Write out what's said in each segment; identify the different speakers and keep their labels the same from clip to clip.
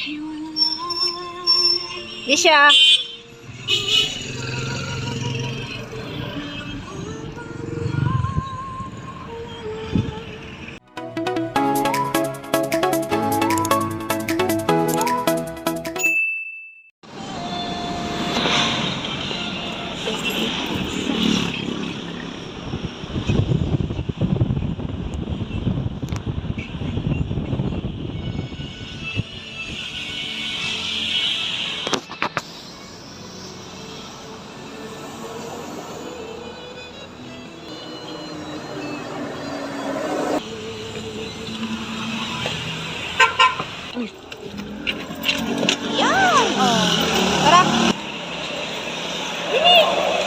Speaker 1: Di siya. Yan! Oh. Tara! Bilis!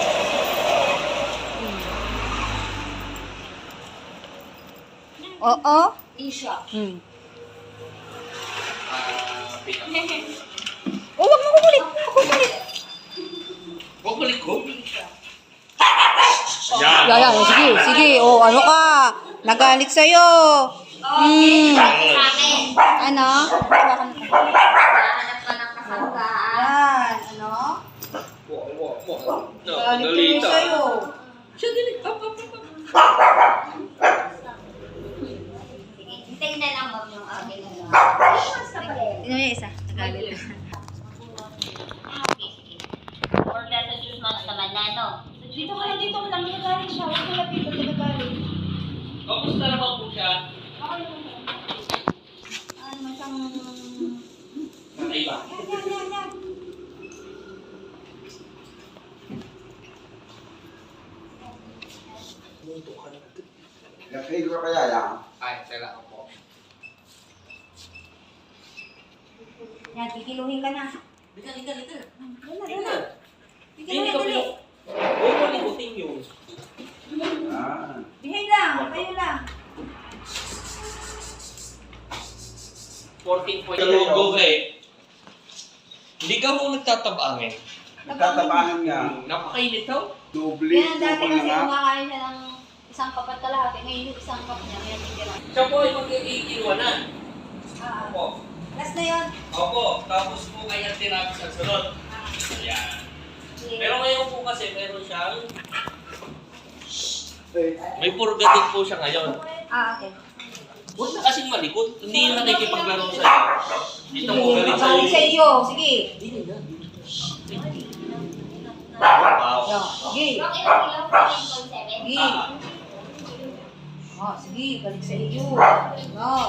Speaker 1: Oo.
Speaker 2: Isha.
Speaker 1: Oh, wag mo kukulit! Kukulit!
Speaker 3: Kukulit ko?
Speaker 1: Yan. Sige, sige. Oh, ano ka? Nagalit sa'yo.
Speaker 2: Okay. Sa akin.
Speaker 1: Ano? Hawakan mo.
Speaker 2: Hanap ka ng kasanggaan.
Speaker 1: Yan. Ano? Nagalit tuloy sa'yo.
Speaker 3: Siya din.
Speaker 2: Sige, hintayin na lang ma'am yung akin.
Speaker 1: Tingnan mo yung isa. Nagalit.
Speaker 2: Order sa juice mga naman na, no?
Speaker 4: Dito ka lang, dito ka lang. Nagagalit siya. Huwag mo lapit. Huwag nagagalit.
Speaker 3: Kamusta naman po siya?
Speaker 4: Ano naman siyang...
Speaker 3: Patay ba?
Speaker 4: Yan.
Speaker 5: Nag-fail ko kaya yan?
Speaker 3: Ay, tala ako po.
Speaker 4: Yan, kikiluhin ka na.
Speaker 3: Lika.
Speaker 4: Yan na.
Speaker 3: Hindi ka
Speaker 4: dali.
Speaker 3: Huwag mo libutin yun.
Speaker 5: Ah.
Speaker 4: Behave lang. Kayo lang.
Speaker 3: 14 point. Kalunggo eh. Hindi ka mo nagtatabangin.
Speaker 5: Nagtatabangan nga.
Speaker 3: Napakainit daw.
Speaker 5: Doble.
Speaker 4: Yan, dati
Speaker 5: Doble
Speaker 4: kasi
Speaker 5: nga.
Speaker 4: kumakain siya ng isang kapat kalahati. Ngayon yung isang cup niya. Yan, titira.
Speaker 3: Siya po ay mag-iiwan na. Opo.
Speaker 4: Last na yun.
Speaker 3: Opo. Tapos po kaya tinabi sa sunod. Ayan. Pero ngayon po kasi meron siyang... May purga din po siya ngayon.
Speaker 4: Okay.
Speaker 3: Huwag na kasing malikot. Hindi na nakikipaglaro sa'yo. Dito mo galit sa'yo.
Speaker 4: Magaling sa iyo. Sige.
Speaker 3: Wow.
Speaker 4: Yan. Sige.
Speaker 2: Ang ilang ilaw po yung 7.
Speaker 4: Sige. Sige. Balik sa iyo. Yan.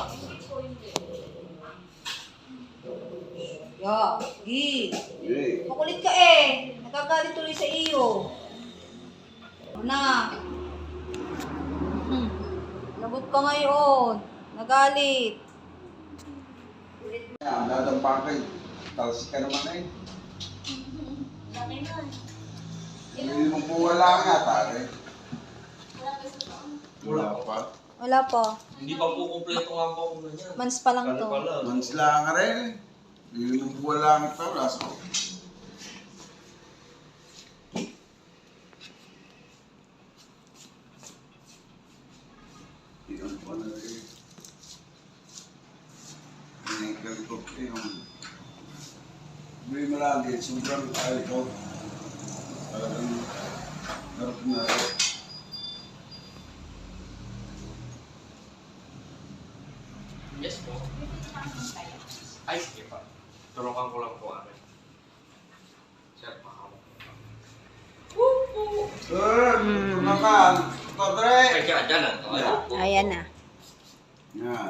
Speaker 4: Yan. Sige.
Speaker 5: Eh.
Speaker 4: Makulit ka eh. Nagagalit tuloy sa iyo. Ano na? Lagot ka ngayon. Nagalit.
Speaker 5: Yan, dadampan kayo. Talsik ka naman eh. Hindi mo po wala nga, pare. Wala pa.
Speaker 1: Wala pa.
Speaker 3: Hindi pa po kumpleto nga po ako niya.
Speaker 1: Months pa lang to.
Speaker 5: Mansla nga rin eh. Hindi mo po wala nga ito. Last ko. Iyon po na rin. Pinagkali ko yung... Hindi mo lang din. Sobrang ayaw ko. Talagang harap na rin.
Speaker 3: Yes po. Ay, sige pa. Turukan ko lang po amin. Sir, makawag.
Speaker 5: Makan. Padre.
Speaker 3: Kaya dyan lang.
Speaker 1: Ayan na.
Speaker 5: Yan.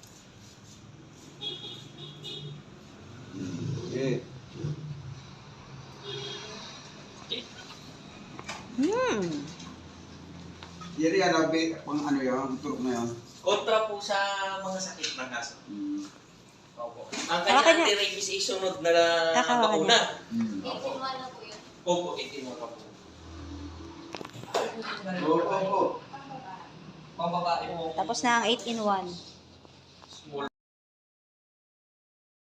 Speaker 5: Okay. Yan yan, pang ano yun, turok na yun.
Speaker 3: Kontra po sa mga sakit ng aso. Opo. Ang
Speaker 1: Hawakan
Speaker 3: kanya
Speaker 1: niya.
Speaker 3: anti-rabies ay sunod na
Speaker 1: Hawakan
Speaker 3: bakuna.
Speaker 2: Opo. na po yun.
Speaker 3: Opo, 18 mo pa po.
Speaker 5: Oo.
Speaker 3: Pambabae mo.
Speaker 1: Tapos na ang 8-in-1.